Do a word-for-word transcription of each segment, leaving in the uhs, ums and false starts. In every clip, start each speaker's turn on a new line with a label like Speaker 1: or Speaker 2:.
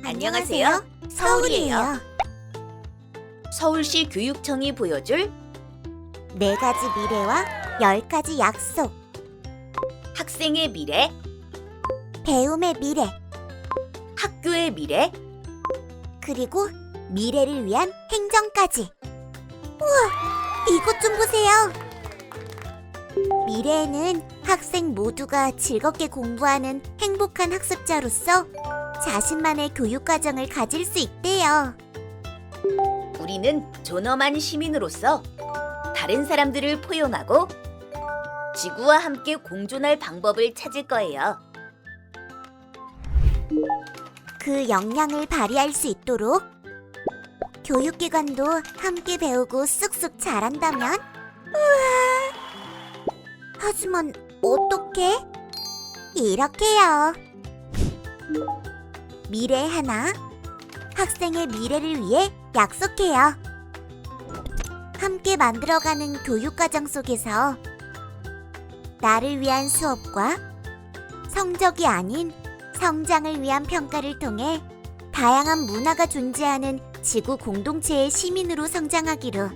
Speaker 1: 안녕하세요. 서울이에요.
Speaker 2: 서울시 교육청이 보여줄
Speaker 1: 네 가지 미래와 열 가지 약속.
Speaker 2: 학생의 미래,
Speaker 1: 배움의 미래,
Speaker 2: 학교의 미래,
Speaker 1: 그리고 미래를 위한 행정까지. 우와, 이것 좀 보세요. 미래에는 학생 모두가 즐겁게 공부하는 행복한 학습자로서 자신만의 교육 과정을 가질 수 있대요.
Speaker 2: 우리는 존엄한 시민으로서 다른 사람들을 포용하고 지구와 함께 공존할 방법을 찾을 거예요.
Speaker 1: 그 역량을 발휘할 수 있도록 교육기관도 함께 배우고 쑥쑥 자란다면? 우와! 하지만 어떻게? 이렇게요. 미래 하나, 학생의 미래를 위해 약속해요. 함께 만들어가는 교육과정 속에서 나를 위한 수업과 성적이 아닌 성장을 위한 평가를 통해 다양한 문화가 존재하는 지구 공동체의 시민으로 성장하기로.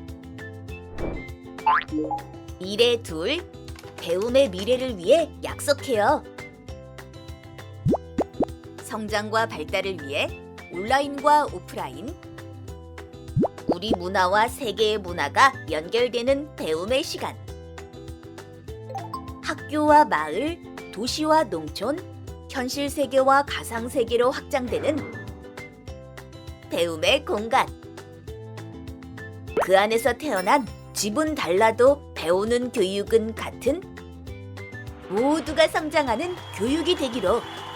Speaker 2: 미래 둘, 배움의 미래를 위해 약속해요. 성장과 발달을 위해 온라인과 오프라인, 우리 문화와 세계의 문화가 연결되는 배움의 시간. 학교와 마을, 도시와 농촌, 현실 세계와 가상 세계로 확장되는 배움의 공간. 그 안에서 태어난 집은 달라도 배우는 교육은 같은 모두가 성장하는 교육이 되기로.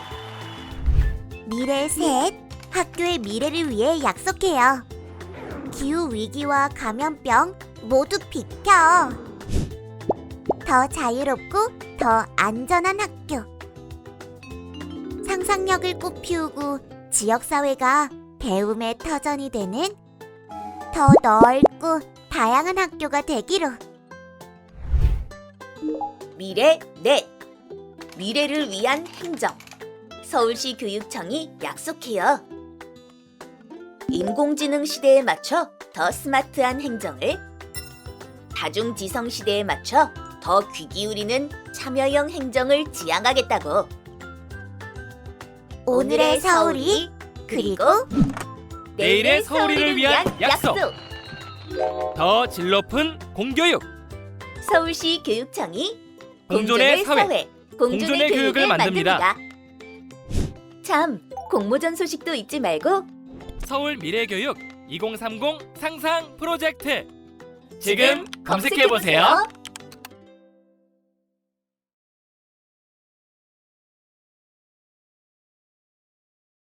Speaker 1: 미래 셋, 학교의 미래를 위해 약속해요. 기후 위기와 감염병 모두 비켜. 더 자유롭고 더 안전한 학교. 상상력을 꽃피우고 지역사회가 배움의 터전이 되는 더 넓고 다양한 학교가 되기로.
Speaker 2: 미래 넷, 미래를 위한 행정. 서울시 교육청이 약속해요. 인공지능 시대에 맞춰 더 스마트한 행정을, 다중지성 시대에 맞춰 더 귀 기울이는 참여형 행정을 지향하겠다고.
Speaker 1: 오늘의 서울이, 그리고
Speaker 3: 내일의 서울이를 위한 약속. 더 질 높은 공교육.
Speaker 2: 서울시 교육청이
Speaker 3: 공존의 사회,
Speaker 2: 공존의,
Speaker 3: 공존의 교육을 만듭니다.
Speaker 2: 참, 공모전 소식도 잊지 말고
Speaker 3: 서울 미래교육 이공삼공 상상 프로젝트 지금 검색해 보세요.